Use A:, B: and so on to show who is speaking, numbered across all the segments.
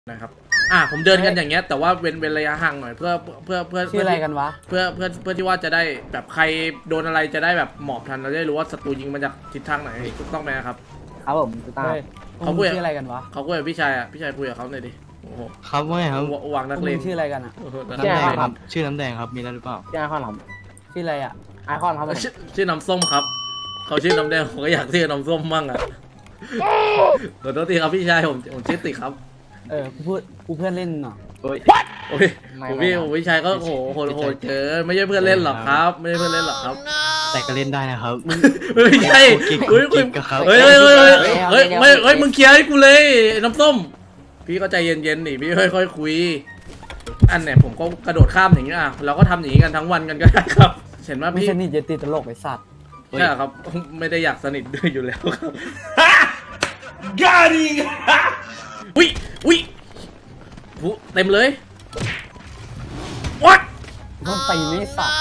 A: นะครับผมเดินกันอย่างเงี้ยแต่ว่าเว้นระยะห่างหน่อยเพื่อ
B: ชื่ออะไรกันวะ
A: เพื่อที่ว่าจะได้แบบใครโดนอะไรจะได้แบบหมอบทันเราได้รู้ว่าศัตรูยิงมาจากทิศทางไหนถูกต้องไหมครับ
C: ครับผมถูกต้อง
A: เขาคุย
B: ชื่ออะไรกันวะ
A: เขาคุยกับพี่ชายคุยกับเขาหน่อยดิโอ้โห
D: ครับว่าไงครับ
A: วางนักเลง
B: ชื่ออะไรกันอ่ะ
D: น้ำแดงครับชื่อน้ำแดงครับมีแล้วหรือเปล่า
C: ชื่อไอคอนครับ
B: ชื่ออะไรอ่ะ
C: ไอคอนครับผม
A: ชื่อน้ำส้มครับเขาชื่อน้ำแดงผมก็อยากชื่อน้ำส้มมั่งอ่ะขอโทษทีครับพี่ชายผมชื่อติครับ
B: กูเพื่อนเล่นเนาะ
D: โอ้ย
A: โอ้ยพี่ชายก็โหดเกินไม่ใช่เพื่อนเล่นหรอกครับ ไม่ใช่เพื่อนเล่นหรอกครับ
D: แต่ก็เล่นได้นะครับ
A: ไม่ใช่
D: เฮ้
A: เฮ้
D: ย
A: ย
D: ครับ
A: เฮ้ยมึงเคลียร์ให้กูเลยน้ำส้มพี่ก็ใจเย็นๆดิพี่ค่อยๆคุยอันเนี่ยผมก็กระโดดข้ามอย่างเงี้ยเราก็ทำอย่างงี้กันทั้งวันกันก็ได้ครับเห็นว่า
B: ไม่
A: พี่
B: สนิทจะติดตลกไอ้สัตว์
A: ใช่ครับไม่ได้อยากสนิทด้วยอยู่แล้วครับ
E: กาดิง
A: อุ้ยเต็มเลยวัด
B: ต้องตีนไอ้สัตว์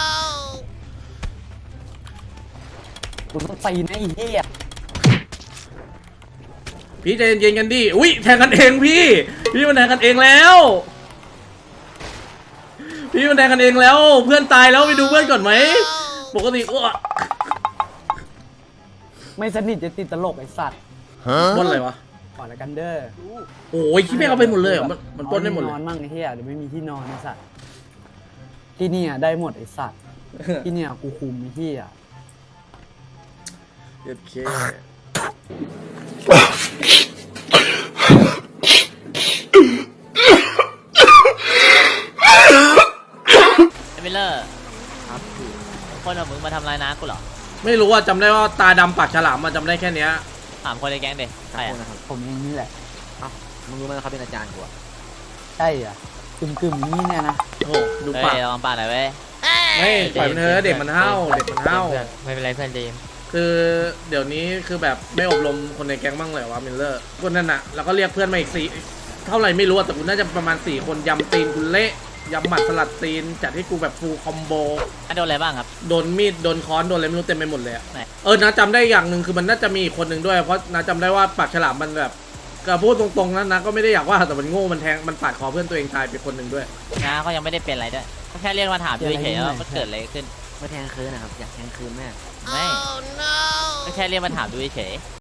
B: กูต้องตีนไอ้เหี้ย
A: พี่ใจเย็นๆกันดิอุ้ยแทงกันเองพี่มันแทงกันเองแล้วพี่มันแทงกันเองแล้วเพื่อนตายแล้วไปดูเพื่อนก่อนไหมปกติก็
B: ไม่สนิทจะติดตลกไอ้สัตว์
A: บนอะไรวะ
B: ขอละกันเด้อ
A: โอ้ยคิดไม่เอาไปหมดเลยเหรอมันปล้นได้หมดเล
B: น
A: ย
B: อนมั่งไอ้เหี้ยเดี๋ยวไม่มีที่นอนไอ้สัตว์ที่เนี่ยได้หมดไอ้สัตว์ที่เนี่ยกูคุมไอ้เหี้ย
A: โอเค
F: มิลเลอร์ครับคนเอามึงมาทำลายน้ากูเหรอ
A: ไม่รู้ว่าจำได้ว่าตาดำปากฉลามมันจำได้แค่เนี้ย
F: ถามคนในแก๊งเด็กใครอะ
B: ผมเองนี่แหละ
C: มึงรู้ไหมเขาเป็นอาจารย์กูอะ
B: ใช่อ่ะกึ่มนี่เนี่ยนะ
A: โอ้โหดู
F: เฮ้
A: ปาก
F: ยลองป่าหน่อยเว้ย
A: ไม่ปล่อยมันเถอะเด็กมันเห่า
F: ไม่เป็นไรเพื่อนดีม
A: คือเดี๋ยวนี้คือแบบไม่อบรมคนในแก๊งบ้างเลยวะมิลเลอร์คนนั้นน่ะแล้วก็เรียกเพื่อนมาอีก4เท่าไหร่ไม่รู้แต่กูน่าจะประมาณ4คนยำตีนกูเละยำหมัดสลัดตีนจัดให้กูแบบฟูลคอมโบ
F: โดนอะไรบ้างครับ
A: โดนมีดโดนค้อนโดนอะไรไม่รู้เต็มไปหมดเลยอะ
F: ไหน
A: นะจำได้อย่างหนึ่งคือมันน่าจะมีอีกคนหนึ่งด้วยเพราะนะจำได้ว่าปากฉลามมันแบบก็พูดตรงๆนะก็ไม่ได้อยากว่าแต่มันโง่มันแทงมันปาดคอเพื่อนตัวเองตายไปคนหนึ่งด้วย
F: น้าเขายังไม่ได้เป็นอะไรด้วยเขาแค่เรียกมาถามดูเฉยๆว่ามันเกิดอะไรขึ้น
C: มาแทงคืนนะครับอยากแทงคืนแม่
F: ไม่ก็แค่เรียกมาถามดูเฉย